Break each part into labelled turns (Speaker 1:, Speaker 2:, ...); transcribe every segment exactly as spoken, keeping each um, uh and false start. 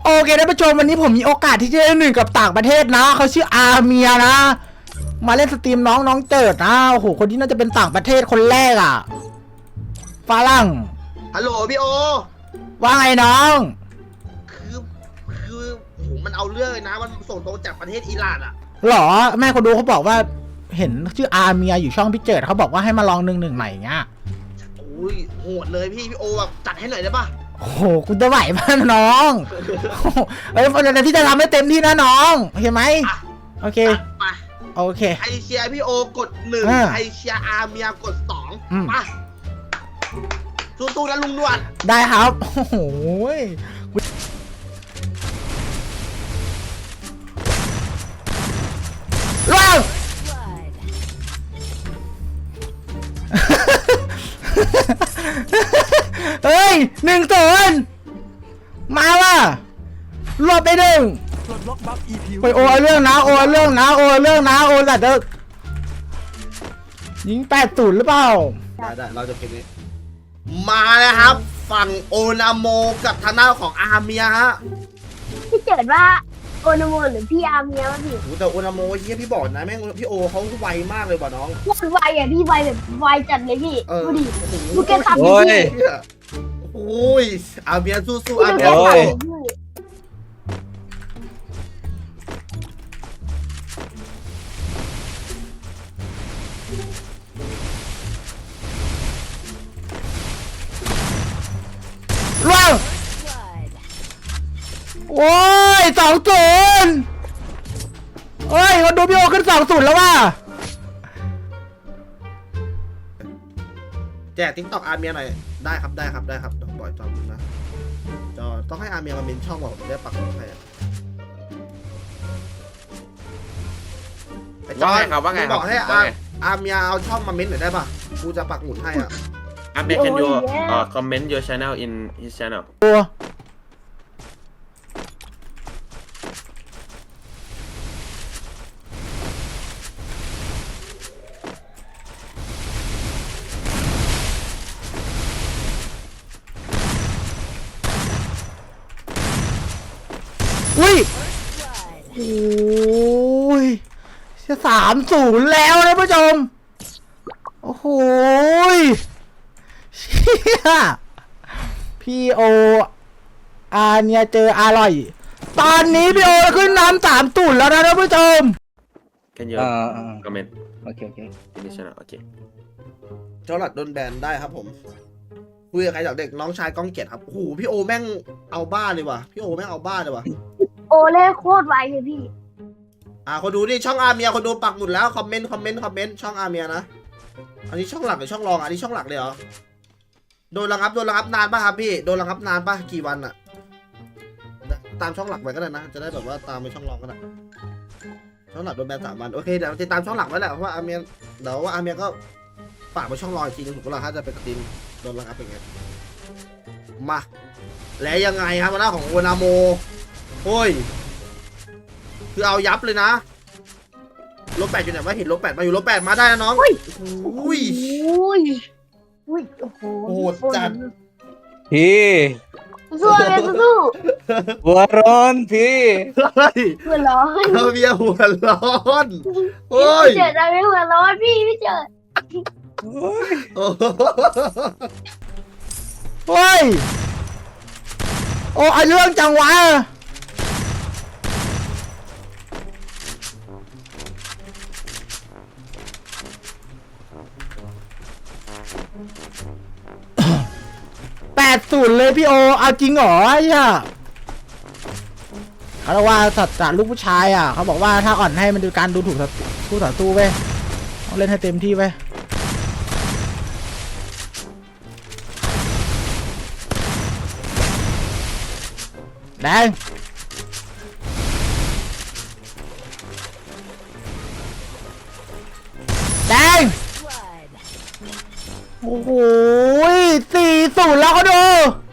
Speaker 1: โอเคท่านผู้ชมวันนี้ผมมีโอกาสที่จะได้หนึ่งกับต่างประเทศนะเขาชื่ออาเมียนะมาเล่นสตรีมน้องน้องเจิดนะโอ้โหคนที่น่าจะเป็นต่างประเทศคนแรกอ่ะฝรั่ง
Speaker 2: ฮัลโหลพี่โอ
Speaker 1: ว่าไงน้อง
Speaker 2: คือคือโหมันเอาเรื่องเลยนะมันส่งตรงจากประเทศอิหร่านอ่ะ
Speaker 1: หรอแม่คนดูเขาบอกว่าเห็นชื่ออาเมียอยู่ช่องพี่เจิดเขาบอกว่าให้มาลองหนึ่งหนึ่งใหม่เงี้ย
Speaker 2: โอ้ยโหดเลยพี่พี่โอแบบจัดให้หน่อยได้ปะ
Speaker 1: โอ้โหคุณจะไหวป่ะน้องเอ้ยแต่ที่จะทำให้เต็มที่นะน้องโอเคไหมโอเค
Speaker 2: มา
Speaker 1: โอเค
Speaker 2: ไอเชียพี่โอกดหนึ่งไอเชียอาเมียกดสองมาสู้ๆนะลุงนวล
Speaker 1: ได้ครับโอ้โหว้าวเฮ้ยหนึ่งศูนย์มาว่ะรวบไปหนึ่งไปโอเรื่องนะโอเรื่องนะโอเรื่องนะโอแต่เด็กยิงแปดศูนย์หรือเปล่า
Speaker 2: ได้ได้เราจะเก็บนี้มาเลยครับฝั่งโอนาโมกับทางหน้าของอาเมียฮะ
Speaker 3: พี่เจิดว่าโอนาโมหรือพี่อาเมียวะพี่
Speaker 2: แต่โอนาโมเฮียพี่บอกนะแม่งพี่โอเขาไวมากเลยว่ะน้อง
Speaker 3: มันไวอ่ะพี่ไวแบบไวจัดเลยพี่ดูดิดูแกขับ
Speaker 2: ดิพี่โอ้ยอาเมียสู้ๆอาเมีย
Speaker 1: ว้าวโอ้ยสองศูนย์เฮ้ยคนดูพี่โอขึ้นสองศูนย์แล้วว่ะ
Speaker 2: แจกทิกตอกอาเมียหน่อยได้ครับได้ครับได้ครับต้องปล่อยจอมนะจอต้องให้อาเมียมาเมนช่องบอกได้ปักหมุดให้ไอ้จอย
Speaker 4: ครับว่าไง
Speaker 2: บอกให้อาอาเมียเอาช่องมาเมนหน่อยได้ป่ะกูจะปักหมุดให้อ่ะ
Speaker 4: อาเมีย can you uh comment your channel in his channel
Speaker 1: ตัวอุ้ยโอ้ยจะสามศูนย์แล้วนะผู้ชมโอ้โหเชี่ยพี่โออาเนี่ยเจออร่อยตอนนี้พี่โอขึ้นน้ำสามศูนย์แล้วนะท่านผู้ชม
Speaker 4: can you comment
Speaker 1: โอเคโอเค
Speaker 4: in his channel โอเค
Speaker 2: เจ้าหลัดโดนแบนได้ครับผมคุยกับใครจากเด็กน้องชายก้องเกียรติครับโอ้โหพี่โอแม่งเอาบ้าเลยว่ะพี่โอแม่งเอาบ้าเลยว่ะ
Speaker 3: โอเล่โคตรไวเลยพี่
Speaker 2: อ่าคนดูนี่ช่องอาเมียคนดูปักหมุดแล้วคอมเมนต์คอมเมนต์คอมเมนต์ช่องอาเมียนะอันนี้ช่องหลักหรือช่องรองอันนี้ช่องหลักเลยเหรอโดนระงับโดนระงับนานป่ะครับพี่โดนระงับนานป่ะกี่วันอะตามช่องหลักไปก็ได้นะจะได้แบบว่าตามไปช่องรองก็ได้ช่องหลักโดนแบนสามวันโอเคเดี๋ยวติดตามช่องหลักไว้แหละเพราะว่าอาเมียเดี๋ยวว่าอาเมียก็ฝากไปช่องรองอีกทีนึงถูกปะล่ะถ้าจะเป็นสตรีมโดนระงับเป็นไงมาแล้วยังไงครับหน้าของโอนาโมโอ้ยคือเอายับเลยนะลบแปดอยู่ไหนวะเห็นลบแปดมาอยู่ลบแปดมาได้นะน้องอุ้ย
Speaker 3: อุ้ยอุ้ยโอ้โห
Speaker 2: โหดจัด
Speaker 5: พี่
Speaker 3: สู้เลยสู้
Speaker 5: หัวร้อนพี่
Speaker 3: หัวร้อน
Speaker 2: เราเบียหัวร้อนโอ้ย
Speaker 3: เจิดอะไรหัวร้อนพี่พี่เจิด
Speaker 1: โอ้ยโอ้ไอเรื่องจังวะแปดศูนย์เลยพี่โอเอาจริงเหรอไอ้เนี่ยเขาเรียกว่าสัตว์ลูกผู้ชายอ่ะเขาบอกว่าถ้าอ่อนให้มันดูการดูถูกคู่ต่อสู้ไปต้องเล่นให้เต็มที่ไปแดงแดงโอ้โหสี่ศูนย์แล้วเขาดู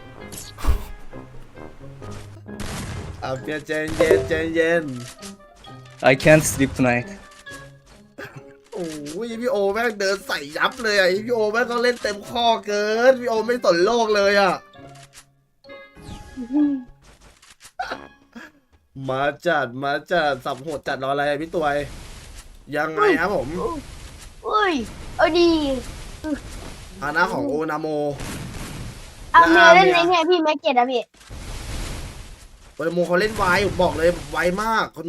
Speaker 2: อ่ะเพียเจนเย็นเจนเย็น
Speaker 5: I can't sleep tonight
Speaker 2: โอ้ยพี่โอแม่งเดินใส่ยับเลยอ่ะพี่โอแม่งก็เล่นเต็มข้อเกินพี่โอไม่สนโลกเลยอ่ะมาจัดมาจัดสับโหดจัดรออะไรอะพี่ตัวยยังไงครับผม
Speaker 3: อุ้ยเอาดี
Speaker 2: อาณาของโอนาโม
Speaker 3: เอาเมีย
Speaker 2: แล้ว
Speaker 3: เล่น
Speaker 2: อาเมี
Speaker 3: ใน
Speaker 2: ย
Speaker 3: เนี่ยพี่แม็กเก็ตอะพี่
Speaker 2: โอนาโมเขาเล่นไวผมบอกเลยไวมากคุณโน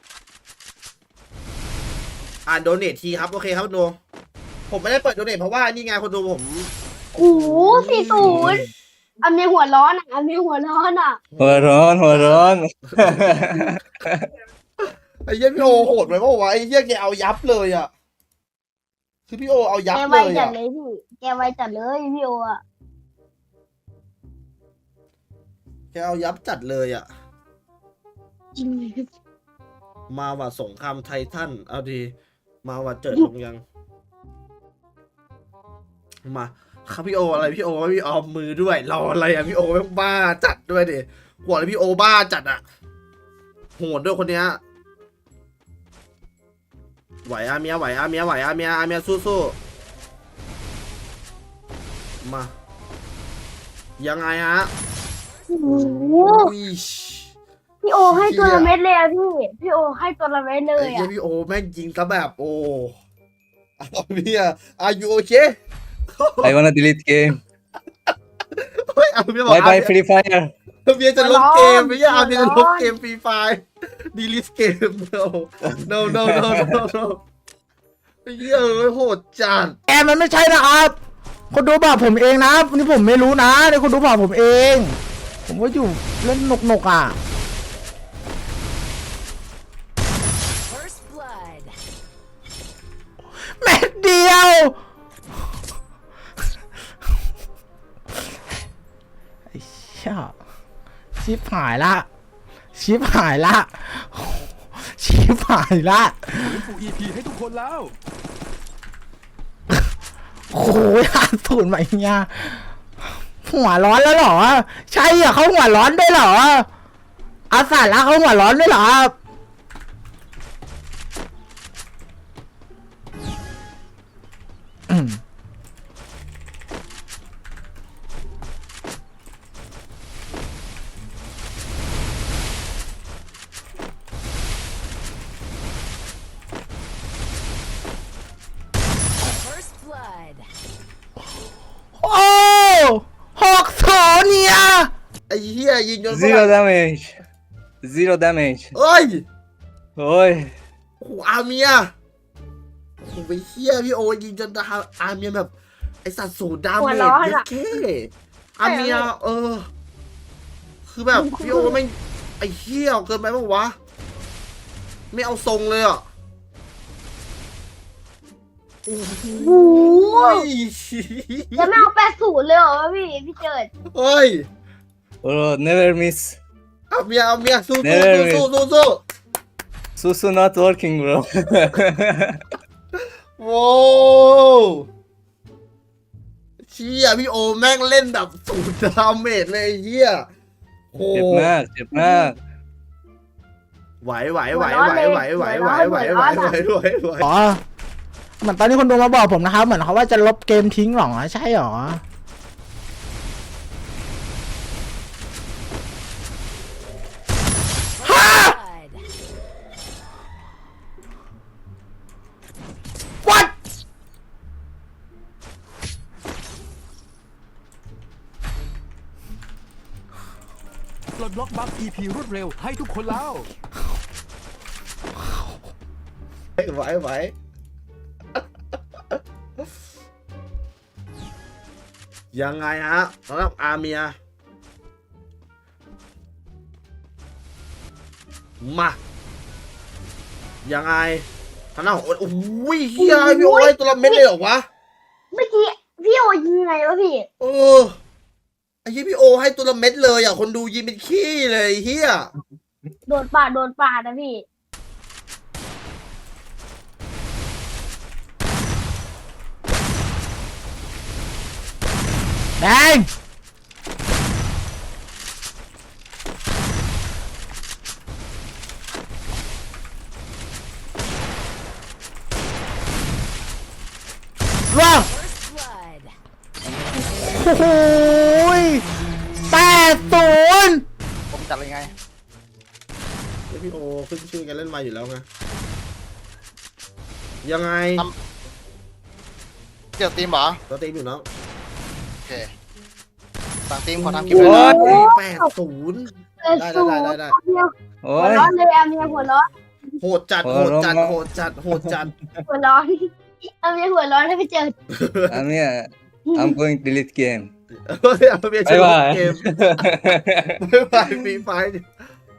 Speaker 2: อ่านโดเนททีครับโอเคครับคุณโนผมไม่ได้เปิดโดเนทเพราะว่านี่ไงคุณโนผม
Speaker 3: โอ้โหสี่ศูนย์เอาเมียหัวร้อนอะเอาเมียหัวร้อนอะ
Speaker 5: หัวร้อนหัวร้อน
Speaker 2: ไอ้เหี้ยพี่โอโหดไปเปล่าวะไอ้เหี้ยแกเอายับเลยอ่ะคือพี่โอเอายับ
Speaker 3: แก
Speaker 2: เล
Speaker 3: ไวย จั
Speaker 2: อ่ะ
Speaker 3: ดเลยพี่แกไวจัดเลยพี่โออะ
Speaker 2: แกเอายับจัดเลยอ่ะ
Speaker 3: จริง
Speaker 2: มาว่าสงครามไททันเอาดีมาว่าเจิดลงยัง มาครับพี่โออะไรพี่โอพี่ออมมือด้วยรออะไรอ่ะพี่โอแม่งบ้าจัดด้วยดิหัวเลยพี่โอบ้าจัดอ่ะโหดด้วยคนเนี้ยไหวอาเมียไหวอาเมียไหวอาเมียอาเมียสู้ๆมา ยังไงฮะ
Speaker 3: โอ้โห
Speaker 2: อุ้ย
Speaker 3: พี่โอให้ตัวละเม็ดเลยอะพี่พี่โอให้ตัวละเม็ดเล
Speaker 2: ไอ้
Speaker 3: ย
Speaker 2: เหี้ย
Speaker 3: อะ
Speaker 2: พี่โอแม่งยิงซะแบบโอ้เอาเมีย are you okay
Speaker 5: I wanna delete game
Speaker 2: เฮ้ยเอาเมียบอก
Speaker 5: bye
Speaker 2: เอา
Speaker 5: bye Free Fire
Speaker 2: เมียจะลบเกมไม่ใช่เอาเมียจะลบเกมฟรีไฟดีลิสเกม no no no no no no ไอ้เหี้ยเอ้ยโหดจัด
Speaker 1: แกมันไม่ใช่นะครับคนดูบอกผมเองนะนี่ผมไม่รู้นะนี่คนดูบอกผมเอง ผมก็อยู่เล่นหนกๆอ่ะ
Speaker 6: First blood.
Speaker 1: เม็ดเดียวไอ้เชี่ยชิบหายละชิบหายละชิบหายละ
Speaker 7: ฟู อี พี ให้ทุกคนแล้ว
Speaker 1: โอ้ยห้าศูนย์ใหม่เนี่ยหัวร้อนแล้วเหรอ ใช่อ่ะเขาหัวร้อนด้วยเหรออาสาละเขาหัวร้อนด้วยเหรออืม
Speaker 6: First blood.
Speaker 1: โอ้หกโถเนี่ย
Speaker 2: ไอ้เหี้ยยิงจน
Speaker 5: zero damage zero damage
Speaker 2: เอ้ย
Speaker 5: โอ้ย
Speaker 2: โอ้โหอาเมียโอ้โหไปเหี้ยพี่โอยิงจนอาเมียแบบไอสัตว์สูดดาเมจเยอะแค่อาเมียเออ คือแบบพี่โอไม่งไอ้เหี้ยเกินไปปะวะ ไม่เอาทรงเลยอ่ะ
Speaker 3: โอ้โห
Speaker 2: โอ้ย
Speaker 3: จะไม่เอาแปดศูนย์เลยเหรอพี่พี่เจิด
Speaker 2: เฮ้ย
Speaker 5: bro never miss
Speaker 2: อาเมียอาเมียสู้
Speaker 5: เนเร
Speaker 2: สู้สู้สู้สู้
Speaker 5: susu not working bro
Speaker 2: โว้วเชี่ยพี่โอแม่งเล่นแบบสูดดาเมจเลยไอ้เหี้ยโอ้
Speaker 5: เจ็บมากเจ็บมาก
Speaker 2: ไหวไหวไหวไหวไหวไหวไหวไหวไหวไหวไหวไหว
Speaker 1: อ๋อเหมือนตอนนี้คนดูมาบอกผมนะครับ เหมือนเขาว่าจะลบเกมทิ้งหรอใช่หรอ
Speaker 6: Blood.
Speaker 1: what
Speaker 7: ปลดล็อกบัฟ อี พี รวดเร็วให้ทุกคนแล้ว
Speaker 2: ไหวไหวยังไงฮะสำหรับอาเมียมายังไงทางหน้าของโอ้ยเฮียพี่โอ้ยตัวละเม็ดเลยเหรอวะ
Speaker 3: เมื่อกี้พี่โอยิงไงวะพี่
Speaker 2: เออไอ้เฮียพี่โอให้ตัวละเม็ดเลยอ่ะคนดูยิงเป็นขี้เลยเฮีย
Speaker 3: โดนปาดโดนปาดนะพี่
Speaker 1: แดงร่วง
Speaker 6: First blood.
Speaker 1: โอ้โหแปดศูนย์
Speaker 8: ผมจัดเลยไง
Speaker 2: พี่โอขึ้นชื่อกันเล่นมาอยู่แล้วไงยังไง
Speaker 8: เกี่ยวทีมเหรอ
Speaker 2: ตัวตีมอยู่เนาะ
Speaker 8: โอเคฝั่งทีมขอทำคลิปเลย
Speaker 5: โอ้
Speaker 8: นะ
Speaker 5: ย
Speaker 2: แปดศูนย์
Speaker 3: เออ
Speaker 2: ได้
Speaker 3: ศู
Speaker 2: ได้
Speaker 3: นย์
Speaker 2: ได้ได้
Speaker 5: โอ้
Speaker 3: หัวย ร้อนเลยอาเมียหัวร้อน
Speaker 2: โหดจัดโหดจัดโหดจัดโหดจัด
Speaker 3: หัวร้อนอาเมียหัวร้อนแล้วไปเจอ
Speaker 5: Amia, I'm going to delete game.
Speaker 2: เฮ้ยเอาเบียร์ชนะ
Speaker 5: บ๊ายบาย
Speaker 2: เกมบ๊ายบายฟรีไฟ